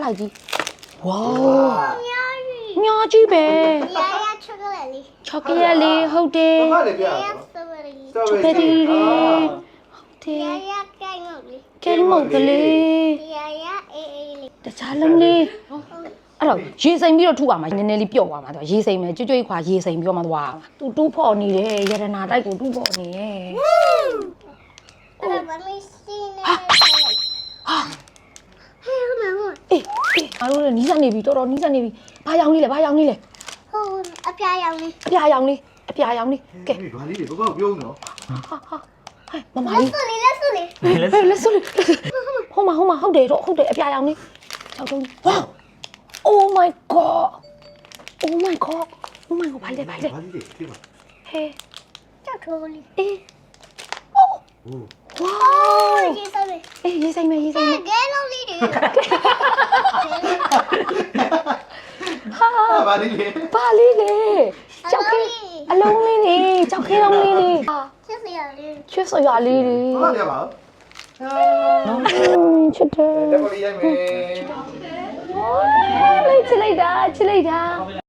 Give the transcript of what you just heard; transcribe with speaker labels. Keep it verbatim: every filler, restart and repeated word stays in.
Speaker 1: လိုက်ကြီးဝါညာကြီးပဲချောကလက်လေးဟုတ်တယ်
Speaker 2: ဘာလဲပြရအောင်
Speaker 1: ချောကလက်လေးဟုတ်တယ်ကဲမုတ်ကလေးတခြားလုံးလေးအဲ့တော့ရေစိမ်ပြီးတော့ထူအောင်မှာနည်းနည်းလေးပြော့သွားမှာသူရေစိမ်မယ်ကြွကြွခွာရေစိမ်ပြီးတော့မှသွားမှာသူတူးဖော်နေတယ်ရတနာတိုက်ကိုတူးဖော်နေရဲ့ဟာဟေးအေးအားလုံးလည်းနီးစပ်နေပြီတော်တော်နီးစပ်နေပြီဘာရောင်လေးလဲဘာရောင်လေးလဲ
Speaker 3: ဟုတ်အပြာရောင်လေး
Speaker 1: အပြာရောင်လေးအပြာရောင်လေးကဲ
Speaker 2: ဘာလေးတွေဘောဘောပြုံးနော်
Speaker 1: ဟာဟာဟဲ့မမလေး
Speaker 3: ဆိုလေးလက်ဆိုလေး
Speaker 1: ဟဲ့လက်စွပ်လေးဟိုမှာဟိုမှာဟုတ်တယ်တော့ဟုတ်တယ်အပြာရောင်လေးချောက်တုံးဝါ Oh my god Oh my god Oh my god ဘာလဲဘာလဲ
Speaker 2: ဘာလေးတွေဖြစ်ပါ
Speaker 1: ဟဲ့
Speaker 3: ကြောက်ထိုးလေး
Speaker 1: အေး
Speaker 2: ဟို
Speaker 1: ဝါ
Speaker 3: ရေးစမ်းလေး
Speaker 1: အေးရေးဆိုင်မယ်ရေးဆိုင်မယ်
Speaker 3: ကဲလုံးလေးတွေ
Speaker 1: ဟာ
Speaker 2: ဘာလေးတွေ
Speaker 1: ဘာလေးလေကြောက်ခဲအလုံးလေးနေကြောက်ခဲလုံးလေးနေဟာ
Speaker 3: ချစ်စရာလေး
Speaker 1: ချွတ်စရာလေးတွေ
Speaker 2: ဘာလဲပါ
Speaker 1: ချစ်တယ်
Speaker 2: တက်ပေါ်လေးရိုက်မယ်
Speaker 1: လေးချစ်လိုက်တာချစ်လိုက်တာ
Speaker 2: ဟ